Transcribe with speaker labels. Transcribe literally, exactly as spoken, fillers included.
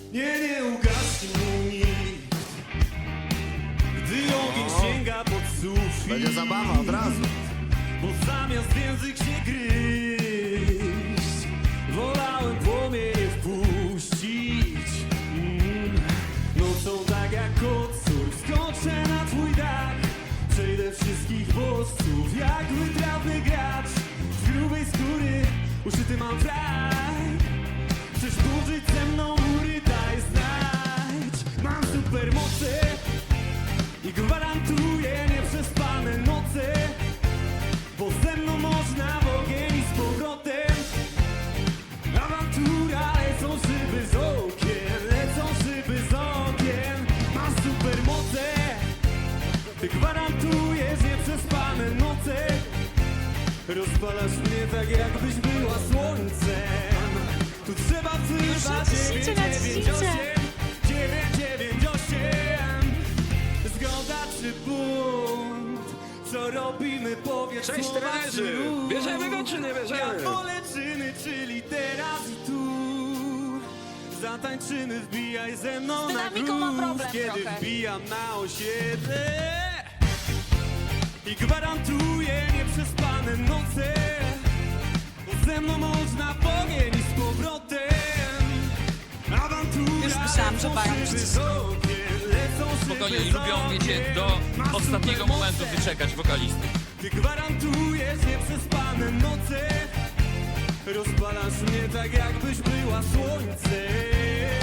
Speaker 1: Nie, nie ugaśnie mnie nikt, gdy ogień sięga pod sufit.
Speaker 2: Będzie zabawa od razu.
Speaker 1: Bo zamiast w język się gryźć, wolałem płomienie wpuścić. mm. Nocą tak jak kocur skoczę na twój dach, przejdę wszystkich bodźców jak wytrawny gracz. Z grubej skóry uszyty mam frak, chcesz burzyć ze mną mury, daj znajdź. Mam supermoce i gwarantuję nieprzespane noce, bo ze mną można w ogień i z powrotem. Awantura, lecą szyby z okien, lecą szyby z okien. Masz supermoce, ty gwarantujesz nieprzespane noce. Rozpalasz mnie tak jakbyś była słońcem. Tu trzeba wzywać
Speaker 3: naciśnijcie, naciśnijcie.
Speaker 1: dziewięć dziewięć osiem. Zgoda czy bunt? Co robimy, powiedz.
Speaker 4: Cześć,
Speaker 1: słowa
Speaker 4: trenerzy!
Speaker 1: czy ruch?
Speaker 4: Bierzemy go, czy nie
Speaker 1: Ja
Speaker 4: bierzemy?
Speaker 1: wolę czyny, czyli teraz i tu. Zatańczymy, wbijaj ze mną
Speaker 3: Z
Speaker 1: na
Speaker 3: dynamiką mam
Speaker 1: gruz,
Speaker 3: problem
Speaker 1: kiedy
Speaker 3: trochę.
Speaker 1: wbijam na osiedle. I gwarantuję nieprzespane noce, bo ze mną można w ogień i z powrotem. Awantura,
Speaker 3: Już myślałam, że
Speaker 1: lecą
Speaker 3: mają
Speaker 1: szyby
Speaker 3: przycisk.
Speaker 1: z okien, lecą szyby
Speaker 5: Spokojnie,
Speaker 1: z
Speaker 5: lubią, wiecie,
Speaker 1: okien.
Speaker 5: do
Speaker 1: Masz
Speaker 5: ostatniego
Speaker 1: supermoce.
Speaker 5: momentu wyczekać wokalisty.
Speaker 1: Ty gwarantujesz nieprzespane noce, rozpalasz mnie tak jakbyś była słońcem.